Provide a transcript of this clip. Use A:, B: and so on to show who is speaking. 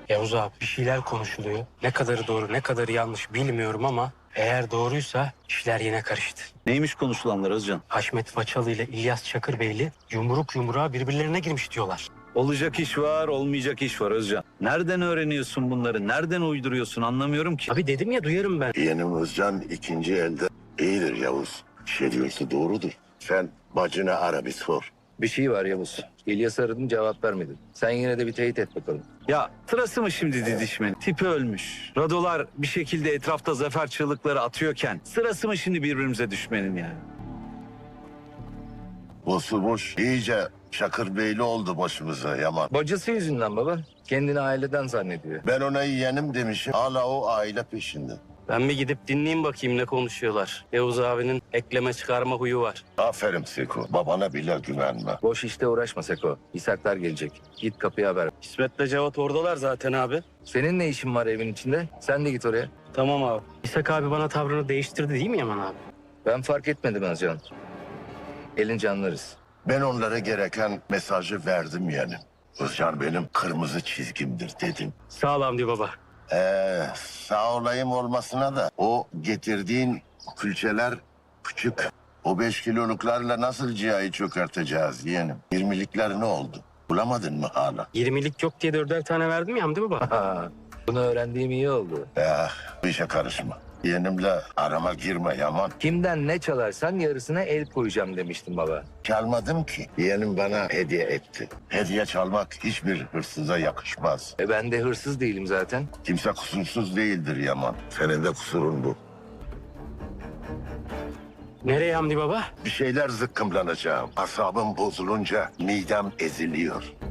A: Yavuz abi bir şeyler konuşuluyor. Ne kadarı doğru ne kadarı yanlış bilmiyorum ama eğer doğruysa işler yine karıştı.
B: Neymiş konuşulanlar Özcan?
A: Haşmet Façalı ile İlyas Çakırbeyli yumruk yumruğa birbirlerine girmiş diyorlar.
B: Olacak iş var, olmayacak iş var Özcan. Nereden öğreniyorsun bunları? Nereden uyduruyorsun anlamıyorum ki.
A: Abi dedim ya duyarım ben.
C: Yeğenim Özcan ikinci elde iyidir Yavuz. Bir şey diyorsa doğrudur. Sen bacını ara bir sor.
D: Bir şey var Yavuz. İlyas aradım cevap vermedin. Sen yine de bir teyit et bakalım.
B: Ya sırası mı şimdi didişmenin? Tipi ölmüş. Radolar bir şekilde etrafta zafer çığlıkları atıyorken sırası mı şimdi birbirimize düşmenin yani?
C: Bozulmuş iyice Çakırbeyli oldu başımıza Yaman.
D: Bacısı yüzünden baba. Kendini aileden zannediyor.
C: Ben ona yeğenim demişim. Hala o aile peşinde.
A: Ben bir gidip dinleyeyim bakayım ne konuşuyorlar. Yavuz abinin ekleme çıkarma huyu var.
C: Aferin Seko. Babana bile güvenme.
D: Boş işte uğraşma Seko. İshaklar gelecek. Git kapıya haber ver.
A: İsmet'le Cevat oradalar zaten abi.
D: Senin ne işin var evin içinde? Sen de git oraya.
A: Tamam abi. İshak abi bana tavrını değiştirdi değil mi Yaman abi?
D: Ben fark etmedim Özcan. Elince anlarız.
C: Ben onlara gereken mesajı verdim yeğenim. Özcan benim kırmızı çizgimdir dedim.
A: Sağ ol Hamdi baba.
C: Sağ olayım olmasına da o getirdiğin külçeler küçük. O 5 kiloluklarla nasıl cihayı çökerteceğiz yeğenim? 20'likler ne oldu? Bulamadın mı hala?
A: 20'lik yok diye 4'er tane verdim ya Hamdi baba.
D: Ha, bunu öğrendiğim iyi oldu.
C: Bu işe karışma. Yeğenimle arama girme Yaman.
D: Kimden ne çalarsan yarısına el koyacağım demiştim baba.
C: Çalmadım ki. Yeğenim bana hediye etti. Hediye çalmak hiçbir hırsıza yakışmaz.
D: Ben de hırsız değilim zaten.
C: Kimse kusursuz değildir Yaman. Senin de kusurun bu.
A: Nereye Hamdi baba?
C: Bir şeyler zıkkımlanacağım. Asabım bozulunca midem eziliyor.